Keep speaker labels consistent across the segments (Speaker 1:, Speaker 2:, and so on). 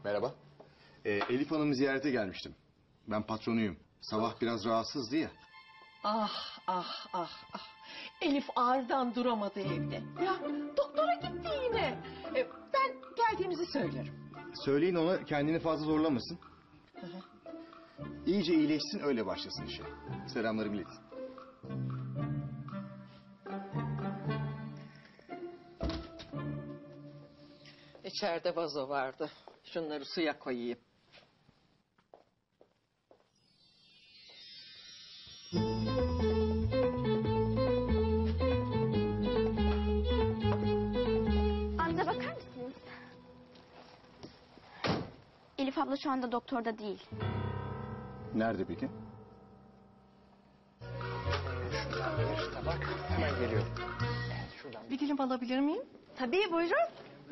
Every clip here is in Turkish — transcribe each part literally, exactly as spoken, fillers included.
Speaker 1: Merhaba.
Speaker 2: Ee, Elif Hanım'ı ziyarete gelmiştim. Ben patronuyum. Sabah biraz rahatsızdı ya.
Speaker 3: Ah ah ah ah. Elif ağrıdan duramadı evde. Ya doktora gitti yine. E, ben geldiğimizi söylerim.
Speaker 2: Söyleyin ona kendini fazla zorlamasın. İyice iyileşsin öyle başlasın işe. Selamlarımı iletin.
Speaker 3: İçeride vazo vardı. Şunları suya koyayım.
Speaker 4: Amca bakar mısınız? Elif abla şu anda doktorda değil.
Speaker 2: Nerede peki?
Speaker 1: Bak hemen geliyorum. Şuradan.
Speaker 3: Bir dilim alabilir miyim?
Speaker 4: Tabii buyurun.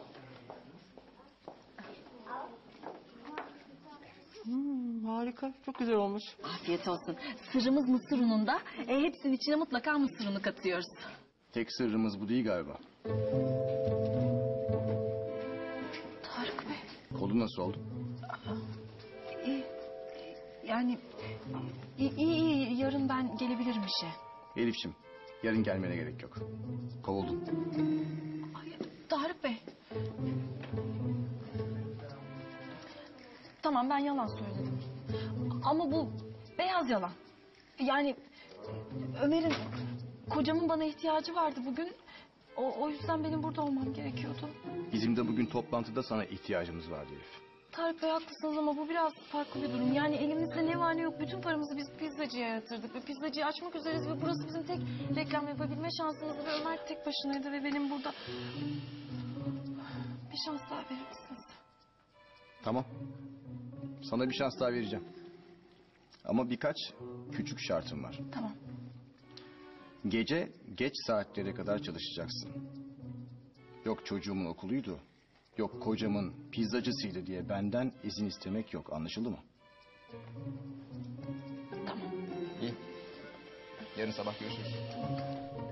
Speaker 3: Hmm, harika, çok güzel olmuş.
Speaker 5: Afiyet olsun. Sırrımız mısır ununda. E, hepsinin içine mutlaka mısır unu katıyoruz.
Speaker 2: Tek sırrımız bu değil galiba.
Speaker 5: Tarık Bey.
Speaker 2: Kolu nasıl oldu?
Speaker 5: İyi. Yani iyi, iyi, iyi. Yarın ben gelebilirim işe.
Speaker 2: Elif'ciğim yarın gelmene gerek yok. Kovuldun.
Speaker 5: Ay, Tarık Bey. Tamam ben yalan söyledim. Ama bu beyaz yalan. Yani Ömer'in kocamın bana ihtiyacı vardı bugün. O, o yüzden benim burada olmam gerekiyordu.
Speaker 2: Bizim de bugün toplantıda sana ihtiyacımız vardı Elif.
Speaker 5: Tarık Bey haklısınız ama bu biraz farklı bir durum. Yani elimizde ne var ne yok bütün paramızı biz pizzacıya yatırdık. Ve pizzacıyı açmak üzereyiz ve burası bizim tek reklam yapabilme şansımızdı. Ve Ömer tek başınaydı ve benim burada... Bir şans daha verir misiniz?
Speaker 2: Tamam. Sana bir şans daha vereceğim. Ama birkaç küçük şartım var.
Speaker 5: Tamam.
Speaker 2: Gece geç saatlere kadar çalışacaksın. Yok çocuğumun okuluydu. Yok kocamın pizzacısıydı diye benden izin istemek yok. Anlaşıldı mı?
Speaker 5: Tamam.
Speaker 2: İyi. Yarın sabah görüşürüz.